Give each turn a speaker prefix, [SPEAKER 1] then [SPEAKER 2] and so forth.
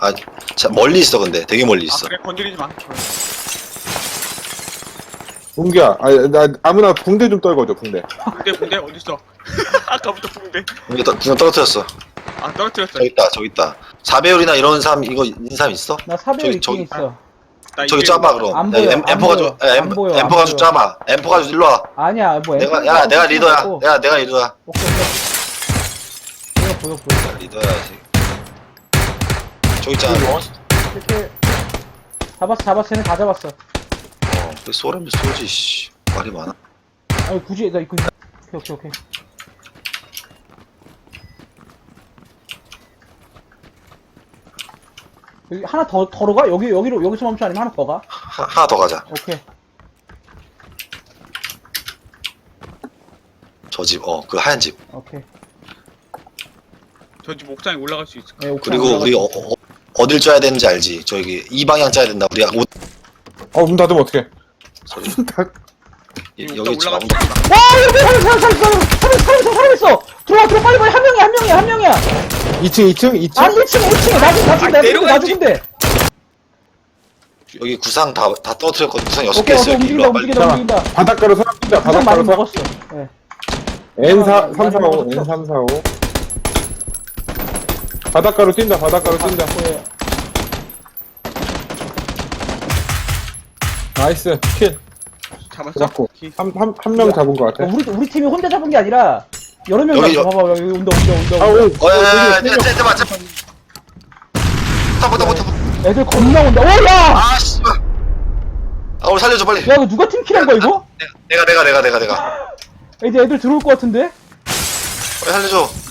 [SPEAKER 1] 아, 자, 멀리 있어 근데 되게 멀리
[SPEAKER 2] 아
[SPEAKER 1] 있어.
[SPEAKER 2] 그래 건드리지 마.
[SPEAKER 3] 붕대야. 나 아무나 붕대 좀 떨궈줘, 붕대.
[SPEAKER 2] 붕대 어딨어? 아까부터 붕대.
[SPEAKER 1] 그냥 떨어뜨렸어.
[SPEAKER 2] 아 떨어뜨렸어.
[SPEAKER 1] 저기 있다. 4배율이나 이런 사람 이거 있는 사람 있어?
[SPEAKER 4] 나 사배율
[SPEAKER 1] 저기,
[SPEAKER 4] 있긴
[SPEAKER 1] 저기.
[SPEAKER 4] 있어.
[SPEAKER 2] 나
[SPEAKER 1] 저기
[SPEAKER 2] 이게
[SPEAKER 1] 짜봐 그럼.
[SPEAKER 4] 안
[SPEAKER 1] 야,
[SPEAKER 4] 보여, 안
[SPEAKER 1] 엠퍼 가지고,
[SPEAKER 4] 보여,
[SPEAKER 1] 야,
[SPEAKER 4] 안 보여,
[SPEAKER 1] 엠퍼
[SPEAKER 4] 안
[SPEAKER 1] 가지고
[SPEAKER 4] 보여.
[SPEAKER 1] 짜봐. 엠퍼 가지고 일로 와.
[SPEAKER 4] 아니야, 뭐
[SPEAKER 1] 내가 리더야. 내가 리더야.
[SPEAKER 4] 오케이. 보여.
[SPEAKER 1] 리더야지. 저기 있잖아.
[SPEAKER 4] 이렇게 잡았어. 쟤네 다 잡았어.
[SPEAKER 1] 그 쏘라면 쏘지. 씨. 말이 많아.
[SPEAKER 4] 아니 굳이 나 이거 오케이. 여기 하나 더 가? 여기서 멈춰 아니면 하나 더 가?
[SPEAKER 1] 하나 더 가자.
[SPEAKER 4] 오케이.
[SPEAKER 1] 저 집, 그 하얀 집.
[SPEAKER 4] 오케이.
[SPEAKER 2] 저 집 옥상에 올라갈 수 있을까?
[SPEAKER 4] 네, 옥상
[SPEAKER 1] 그리고
[SPEAKER 4] 올라갔어.
[SPEAKER 1] 우리 어딜 짜야 되는지 알지? 저기 이 방향 짜야 된다. 우리 옷
[SPEAKER 3] 문 닫으면 어떡해.
[SPEAKER 1] 소리.
[SPEAKER 2] 옥상
[SPEAKER 1] 여기 지금
[SPEAKER 2] 올라갈 수
[SPEAKER 1] 아무도
[SPEAKER 2] 있을까?
[SPEAKER 4] 와 여기 사람 있어. 들어와 빨리 한 명이야.
[SPEAKER 3] 2층?
[SPEAKER 4] 아니 1층에 나 죽은데.
[SPEAKER 1] 여기 구상 다 떨어뜨렸거든. 구상 6개
[SPEAKER 4] 오케이
[SPEAKER 1] 있어. 여기 일로 와, 빨리.
[SPEAKER 4] 움직인다.
[SPEAKER 3] 바닷가로 사람 뛴다,
[SPEAKER 4] 구상 많이
[SPEAKER 3] 바닷가로 사람.
[SPEAKER 4] 먹었어. 예.
[SPEAKER 3] N4, 3, 4, 5,
[SPEAKER 4] 먹었어.
[SPEAKER 3] N3, 4, 5. 바닷가로 뛴다.
[SPEAKER 4] 예.
[SPEAKER 3] 나이스, 킬.
[SPEAKER 2] 잡았어?
[SPEAKER 3] 잡고.
[SPEAKER 2] 기-
[SPEAKER 3] 한 명 잡은 것 같아.
[SPEAKER 4] 우리 팀이 혼자 잡은 게 아니라 여러 명이
[SPEAKER 1] 여기,
[SPEAKER 4] 잡았어. 봐봐 여기 온다.
[SPEAKER 1] 야, 잠깐만. 타봐.
[SPEAKER 4] 애들 겁나 온다. 오 야!
[SPEAKER 1] 아, 씨발. 아, 우리 살려줘, 빨리.
[SPEAKER 4] 야 이거 누가 팀킬한 거야 이거?
[SPEAKER 1] 내가.
[SPEAKER 4] 애들 들어올 것 같은데?
[SPEAKER 1] 빨리 살려줘.